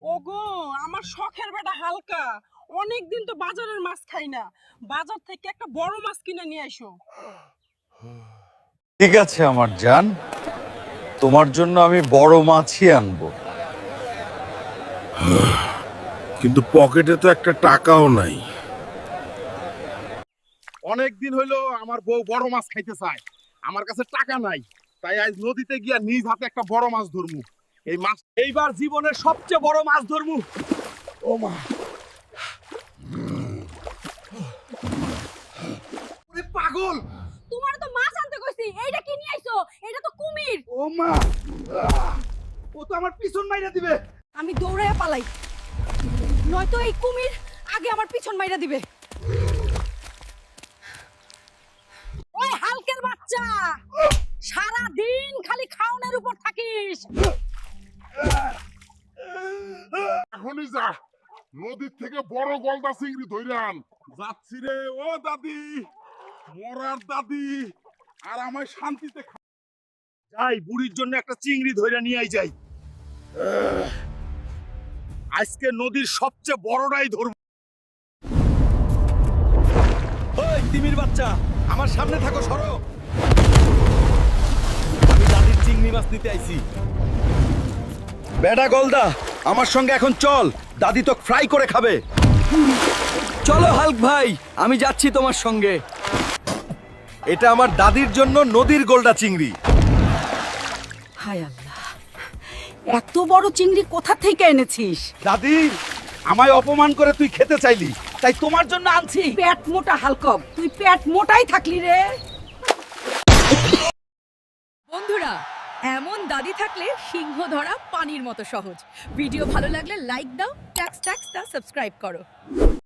ওগো, আমার শখের বেটা হালকা অনেকদিন তো বাজারের মাছ খাই না। বাজার থেকে একটা বড় মাছ কিনে নিয়ে আইসো। ঠিক আছে আমার জান, তোমার জন্য আমি বড় মাছই আনবো। কিন্তু পকেটে তো একটা টাকাও নাই। অনেক দিন হইলো আমার বউ বড় মাছ খাইতে চায়, আমার কাছে টাকা নাই, তাই আজ নদীতে গিয়া নিজ হাতে একটা বড় মাছ ধরমু। এই মাছ এইবার জীবনের সবচেয়ে বড় মাছ ধরমু। ও মা, ওরে পাগল! তোমার তো মাছ আনতে কইছি, এইটা কি নিয়ে আইছো? এটা তো কুমির। ও মা, ও তো আমার পিছন মাইরা দিবে। আমি দৌড়াইয়া পালাই, নয়তো এই কুমির আগে আমার পিছন মাইরা দিবে। ওই হালকের বাচ্চা, সারা দিন খালি খাওনের উপর থাকিস। এখনই যা, নদীর থেকে বড় গলদা চিংড়ি ধরে আন। যাচ্ছি রে ও দাদি, মরার দাদি, আর আমায় শান্তিতে যাই, বুড়ির জন্য একটা চিংড়ি ধরে নিয়ে যাই। আজকে নদীর সবচেয়ে বড়টাই ধরব। ওই তিমির বাচ্চা, আমার সামনে থাকো, সরো। আমি দাদির চিংড়ি মাছ নিতে আইছি। বেটা গলদা, আমার সঙ্গে এখন চল, দাদি তো ফ্রাই করে খাবে। চলো হাল্ক ভাই, আমি যাচ্ছি তোমার সঙ্গে। এটা আমার দাদির জন্য নদীর গোলদা চিংড়ি। হায় আল্লাহ, এত বড় চিংড়ি কোথা থেকে এনেছিস? দাদি, আমায় অপমান করে তুই খেতে চাইলি, তাই তোমার জন্য আনছি। পেট মোটা হালকব, তুই পেট মোটাই থাকলি রে। বন্ধুরা, এমন দাদি থাকলে সিংহ ধরা পানির মতো সহজ। ভিডিও ভালো লাগলে লাইক দাও, ট্যাক্স ট্যাক্স দা সাবস্ক্রাইব করো।